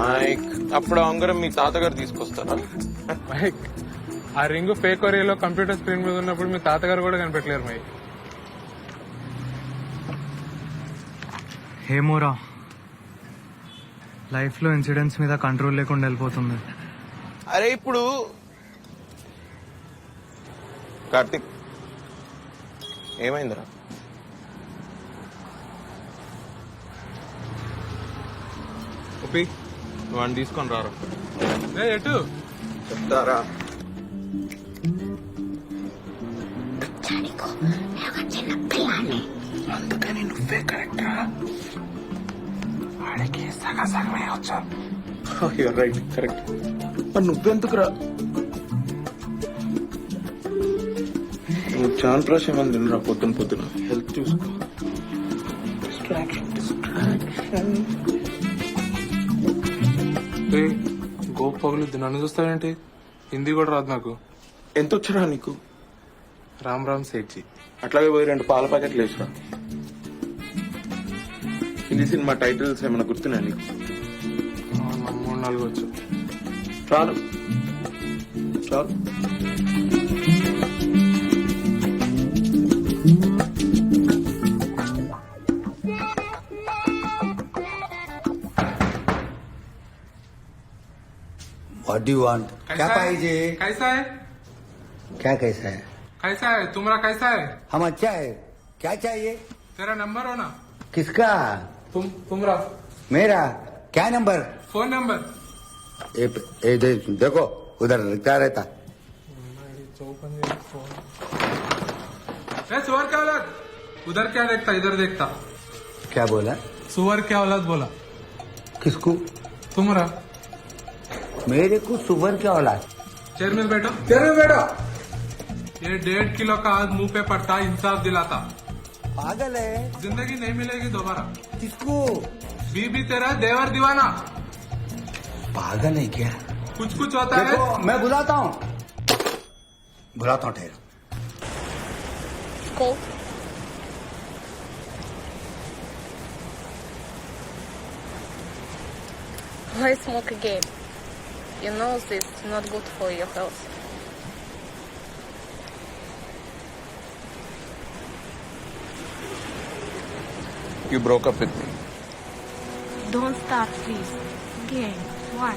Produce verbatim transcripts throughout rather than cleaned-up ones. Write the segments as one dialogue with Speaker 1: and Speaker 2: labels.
Speaker 1: Mic అప్పుడు ఆ ఉంగరం మీ తాతగారు తీసుకొస్తారా?
Speaker 2: మైక్ ఆ రింగ్ ఫేక్ ఒరియాలో కంప్యూటర్ స్క్రీన్ మీద ఉన్నప్పుడు మీ తాతగారు కూడా కనిపెట్టలేరు మైక్.
Speaker 3: ఏమోరా, లైఫ్ లో ఇన్సిడెంట్స్ మీద కంట్రోల్ లేకుండా వెళ్ళిపోతుంది.
Speaker 1: అరే ఇప్పుడు కార్తిక్ ఏమైందిరా? ఒప్పి వాడిని తీసుకొని రారా.
Speaker 2: ఏ ఎటు
Speaker 1: చెప్తారా?
Speaker 4: అందుకని నువ్వే కరెక్ట్ రా. వాడికి సగం సగమే వచ్చు.
Speaker 1: Right correct. మరి నువ్వెందుకురా? నువ్వు చాన్ ప్రాష్ ఏమని తినరా పొద్దున పొద్దున. హెల్త్ చూసుకో. డిస్ట్రాక్షన్ డిస్ట్రాక్షన్
Speaker 2: గోప్ పగులుద్ది, నన్ను చూస్తావేంటి? హిందీ కూడా రాదు నాకు.
Speaker 1: ఎంత వచ్చరా నీకు?
Speaker 2: రామ్ రామ్ సేట్జీ.
Speaker 1: అట్లాగే పోయి రెండు పాల ప్యాకెట్లు వేసురా. హిందీ సినిమా టైటిల్స్ ఏమైనా గుర్తున్నాయి నీకు?
Speaker 2: మూడు నాలుగు వచ్చు.
Speaker 1: చాలు చాలు.
Speaker 5: What do you want? क्या पाहिजे?
Speaker 2: कैसा है?
Speaker 5: क्या कैसा है?
Speaker 2: कैसा है तुम्हारा? कैसा है?
Speaker 5: हम अच्छा है. क्या चाहिए?
Speaker 2: तेरा नंबर हो ना?
Speaker 5: किसका?
Speaker 2: तुम तुम्हारा
Speaker 5: मेरा. क्या नंबर?
Speaker 2: Phone number.
Speaker 5: ए, ए, दे, देखो उधर लिखा रहता.
Speaker 2: ए, सुअर क्या औलाद? उधर क्या देखता इधर देखता.
Speaker 5: क्या बोला?
Speaker 2: सुअर क्या औलाद बोला.
Speaker 5: किसको?
Speaker 2: तुम्हारा.
Speaker 5: मेरे को सुवर क्या औलाद?
Speaker 2: चेयर में बैठो. चेयर में बैठो. ये डेढ़ किलो का आज मुंह पे पड़ता इंसाफ दिलाता.
Speaker 5: पागल है.
Speaker 2: जिंदगी नहीं मिलेगी दोबारा.
Speaker 5: किसको?
Speaker 2: बीबी तेरा देवर दीवाना.
Speaker 5: पागल है क्या?
Speaker 2: कुछ कुछ होता है.
Speaker 5: देखो मैं बुलाता हूँ. बुलाता हूँ ठहरो.
Speaker 6: Cool. Why smoke again? You know this is not good for your health.
Speaker 1: You broke up with me.
Speaker 6: Don't start, please. Again. Why?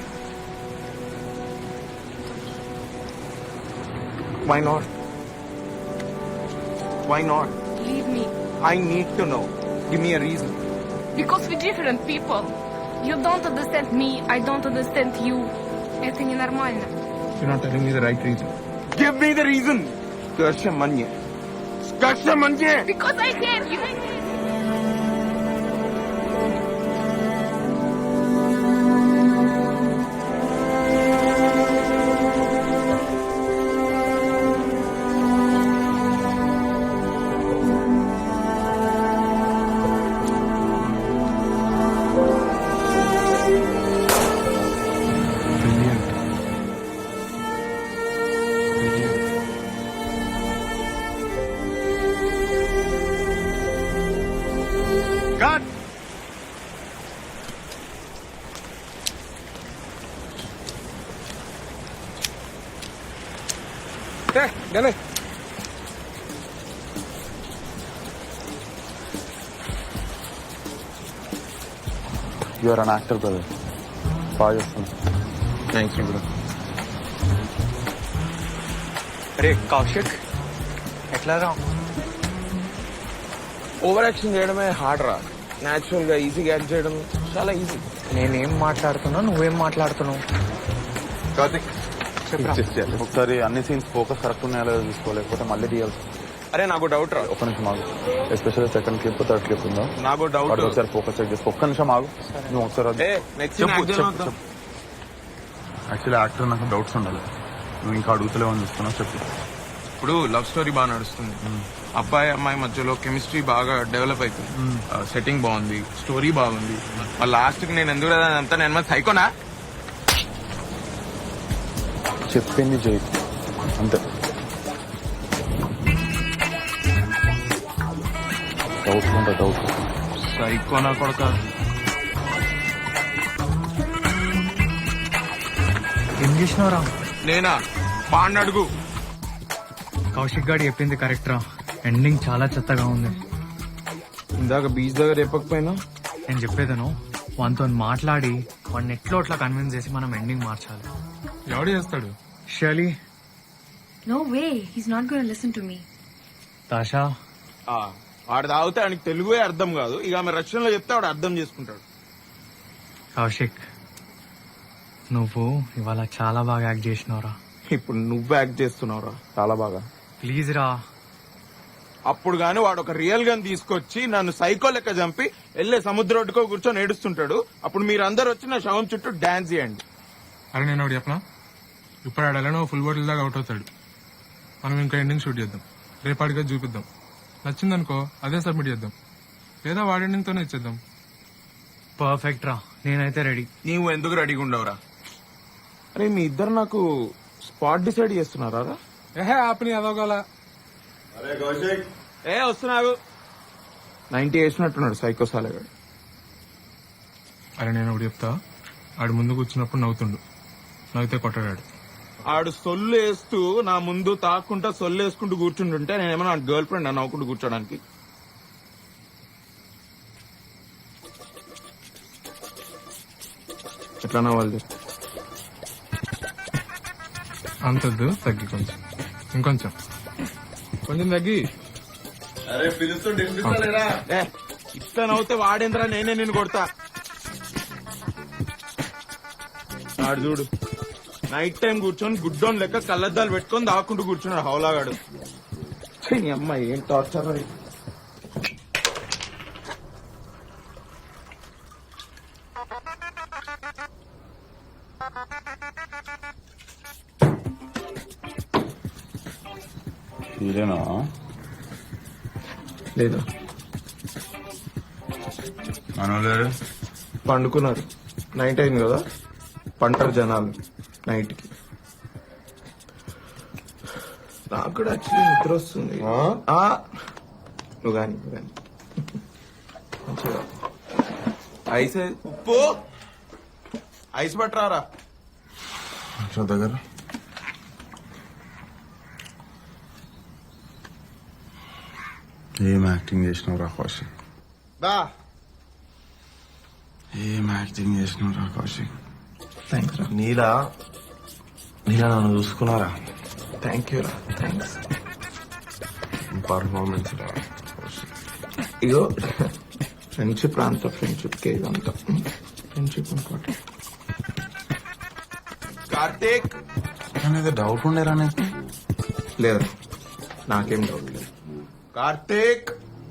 Speaker 1: Why not? Why not?
Speaker 6: Leave me.
Speaker 1: I need to know. Give me a reason.
Speaker 6: Because we're different people. You don't understand me, I don't understand you. Это ненормально.
Speaker 1: You're not telling me the right reason. Give me the reason. Skarsha manye. Skarsha manye.
Speaker 6: Because I hate you.
Speaker 1: God.
Speaker 2: Hey, dale.
Speaker 7: You are an actor, brother. బాగా చేస్తున్నా.
Speaker 1: Thanks, bro.
Speaker 3: అరే కౌశిక్, ఎట్లా రా?
Speaker 1: Over action చేయడమే hard రా. Natural గా ఈజీగా act చేయడం చాలా ఈజీ.
Speaker 3: నేనేం మాట్లాడుతున్నా, నువ్వేం మాట్లాడుతున్నావు?
Speaker 1: కార్తిక్
Speaker 7: ఒకసారి అన్ని సీన్స్ ఫోకస్ కరెక్ట్ ఉన్నాయో లేదో చూసుకోలేకపోతే మళ్ళీ తీయాల్సి.
Speaker 1: అరే నాకు డౌట్ రా.
Speaker 7: ఒక్క నిమిషం ఆగు. Especially second clip third clip ఉందా?
Speaker 1: నాకు డౌట్.
Speaker 7: వాటికి ఒకసారి ఫోకస్ చెక్ చేసుకో. ఒక్క నిమిషం ఆగు. నువ్వు ఒకసారి అది-
Speaker 1: ఏ నెక్స్ట్
Speaker 7: చెప్పు, చెప్పు, చెప్పు. యాక్చువల్లీ యాక్టర్ నాకు డౌట్స్ ఉండాలి. నువ్వు ఇంకా అడుగుతలేవని చూస్తున్నావు, చెప్పు.
Speaker 1: ఇప్పుడు లవ్ స్టోరీ బాగా నడుస్తుంది. అబ్బాయి అమ్మాయి మధ్యలో కెమిస్ట్రీ బాగా డెవలప్ అవుతుంది. సెట్టింగ్ బాగుంది, స్టోరీ బాగుంది. లాస్ట్ కి నేను ఎందుకు అంతా నేను సైకోనా?
Speaker 7: చెప్పింది చేయి అంతే. డౌట్ ఉంటే డౌట్.
Speaker 1: సైకోనా కొడక.
Speaker 3: చేసినావురా?
Speaker 1: నేనా బాండ్ అడుగు.
Speaker 3: కౌశిక్ గారు చెప్పింది కరెక్ట్ రా. ఎండింగ్ చాలా చెత్తగా ఉంది.
Speaker 1: ఇందాక బీచ్ దగ్గర చెప్పకపోయినా
Speaker 3: నేను చెప్పేదను వానితో మాట్లాడి వాడిని ఎట్లో అట్లా కన్విన్స్ చేసి మనం ఎండింగ్ మార్చాలి.
Speaker 2: ఎవడు చేస్తాడు?
Speaker 3: Shirley,
Speaker 8: No way. He's not going to listen to me.
Speaker 3: Tasha,
Speaker 1: ఆ, వాడు తాగితే ఆయనకి తెలుగే అర్థం కాదు. ఇక ఆమె రష్యన్ లో చెప్తే వాడు అర్థం చేసుకుంటాడు.
Speaker 3: కౌశిక్ నువ్వు ఇవాళ చాలా బాగా యాక్ట్ చేసినావురా.
Speaker 1: ఇప్పుడు నువ్వు యాక్ట్ చేస్తున్నావురా చాలా బాగా.
Speaker 3: ప్లీజ్ రా.
Speaker 1: అప్పుడు గాని వాడు ఒక రియల్ గన్ తీసుకొచ్చి నన్ను సైకో లెక్క చంపి వెళ్ళే సముద్ర ఒడ్డుకో కూర్చొని ఏడుస్తుంటాడు. అప్పుడు మీరందరూ వచ్చి నా శవం చుట్టూ డాన్స్ చేయండి.
Speaker 2: అరే నేను ఒకటి చెప్పనా, ఇప్పుడు ఆడాలను ఫుల్ బాటిల్ దాకా అవుట్ అవుతాడు. మనం ఇంకా ఎండింగ్ షూట్ చేద్దాం, రేపాటిగా చూపిద్దాం. నచ్చిందనుకో అదే సబ్మిట్ చేద్దాం, లేదా వాడి ఎండింగ్ తోనే ఇచ్చేద్దాం.
Speaker 3: పర్ఫెక్ట్ రా, నేనైతే రెడీ.
Speaker 1: నీవు ఎందుకు రెడీగా ఉండవురా? అరే మీ ఇద్దరు నాకు స్పాట్ డిసైడ్ చేస్తున్నారా రా?
Speaker 2: ఏహే ఆపని అదోగల.
Speaker 1: ఏ వస్తున్నావు నైన్టీ వేసినట్టున్నాడు సైకో సాలగాడు.
Speaker 2: అరే నేను ఒకటి చెప్తా, ఆడు ముందు కూర్చున్నప్పుడు నవ్వుతుండు, నవ్వుతే కొట్టడాడు.
Speaker 1: ఆడు సొల్లు వేస్తూ నా ముందు తాక్కుంటా సొల్లు వేసుకుంటూ కూర్చుంటుంటే నేనేమన్నా గర్ల్ ఫ్రెండ్ నవ్వుకుంటూ కూర్చోడానికి. ఎట్లా నవ్వాలి?
Speaker 2: అంతద్దు, తగ్గి కొంచెం, ఇంకొంచెం కొంచెం తగ్గి.
Speaker 1: ఏ, ఇట్లా నవ్వుతే వాడేంద్రా నేనే నిన్ను కొడతా. ఆడు చూడు నైట్ టైం కూర్చొని గుడ్డోన్ లెక్క కళ్ళద్దాలు పెట్టుకొని దాక్కుంటూ కూర్చున్నాడు హౌలాగాడు. ఛీ, నీ అమ్మాయి ఏం టార్చర్ అది.
Speaker 7: ఇదేనా
Speaker 1: లేదా
Speaker 7: మనోళ్ళు
Speaker 1: పండుకున్నారు. నైట్ అయింది కదా, పంటారు జనాలు నైట్ కి. నాకు కూడా యాక్చువల్లీ నిద్ర వస్తుంది. ఆ, నువ్వు కానీ నువ్వు కానీ మంచిగా ఐస్ ఉప్పు ఐస్ పట్టరారా
Speaker 7: దగ్గర. ఏం యాక్టింగ్ చేసినావు రా కౌశిక్?
Speaker 1: దా.
Speaker 7: ఏం యాక్టింగ్ చేసినావు రా కౌశిక్?
Speaker 1: థ్యాంక్స్ రా.
Speaker 7: నీలా నీలా నన్ను చూసుకున్నారా?
Speaker 1: థ్యాంక్ యూ రా, థ్యాంక్స్.
Speaker 7: పర్ఫార్మెన్స్ రా.
Speaker 1: ఇగో ఫ్రెండ్షిప్ రా, అంత ఫ్రెండ్షిప్ కే ఇదంతా. Friendship important. కార్తీక్
Speaker 7: ఏదో డౌట్ ఉండేరా నీకు?
Speaker 1: లేదు, నాకేం డౌట్ లేదు. కార్తీక్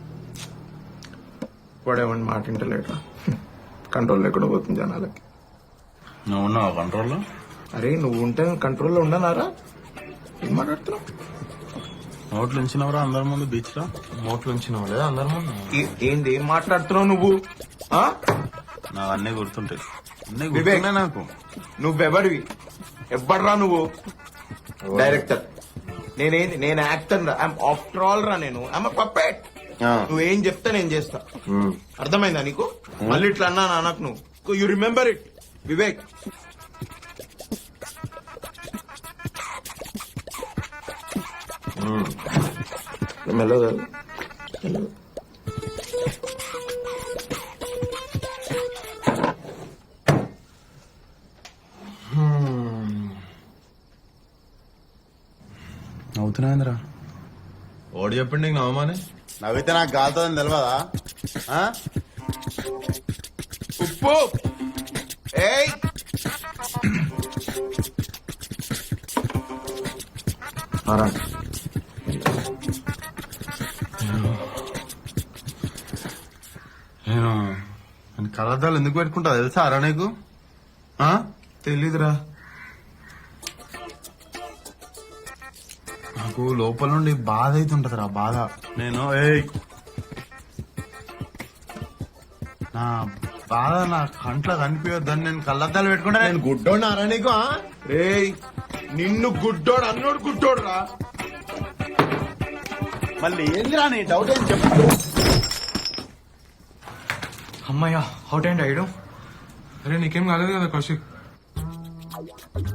Speaker 1: వాడేమని మాట వింటలేడా? కంట్రోల్ లేకుండా పోతుంది జనాలకి.
Speaker 7: నువ్వు ఉన్నావా కంట్రోల్లో?
Speaker 1: అరే నువ్వు ఉంటే కంట్రోల్లో ఉండనారా? ఏం మాట్లాడుతున్నావు?
Speaker 7: నోట్లు ఉంచినవరా అందరి ముందు బీచ్ లో? నోట్లు ఉంచినావు లేదా అందరి ముందు?
Speaker 1: ఏ- ఏంది ఏం మాట్లాడుతున్నావు నువ్వు? ఆ?
Speaker 7: నాకు అన్నీ గుర్తుంటాయి, అన్నీ
Speaker 1: వివేక్.
Speaker 7: గుర్తున్నాయి నాకు.
Speaker 1: నువ్వెవడివి? ఎవ్వడ్రా నువ్వు? డైరెక్టర్. నేనేంది? నేను యాక్టర్ రా. ఐఎమ్ ఆఫ్టర్ ఆల్ రా. నేను ఐఎమ్ పప్పెట్.
Speaker 7: ఆ.
Speaker 1: నువ్వేం చెప్తే నేను చేస్తా.
Speaker 7: ఉమ్.
Speaker 1: అర్థమైందా నీకు? మళ్ళీ ఇట్లా అన్నా నాకు నువ్వు యు రిమెంబర్ ఇట్ వివేక్. మెల్లగా మెల్లగా.
Speaker 7: నవ్వుతున్నాయిందిరా.
Speaker 9: ఓడి చెప్పండి నీకు నవమానే.
Speaker 7: నవ్వితే నాకు గాలుతుందని తెలియదా? ఆ?
Speaker 1: ఉప్పు ఏయ్
Speaker 7: ఆరా. నేను నేను కళ్ళద్దాలు ఎందుకు పెట్టుకుంటా తెలుసా అరా నీకు? ఆ?
Speaker 1: తెలీదురా.
Speaker 7: నాకు లోపల నుండి బాధ అవుతుంటది రా, బాధ. నేను ఏయ్ నా బాధ నా కంట్లో కనిపించొద్దని నేను కళ్ళద్దాలు పెట్టుకుంటా.
Speaker 9: నేను గుడ్డోన్నారా నీకు? ఆ?
Speaker 1: రేయ్ నిన్ను గుడ్డోడు అన్నోడు గుడ్డోడు రా.
Speaker 7: మళ్ళీ ఏందిరా నీ డౌట్ ఏం చెప్పు.
Speaker 3: అమ్మయ్యా, అవుట్ అండ్ అయ్యడం.
Speaker 2: అరే నీకేం కాలేదు కదా కౌశిక్?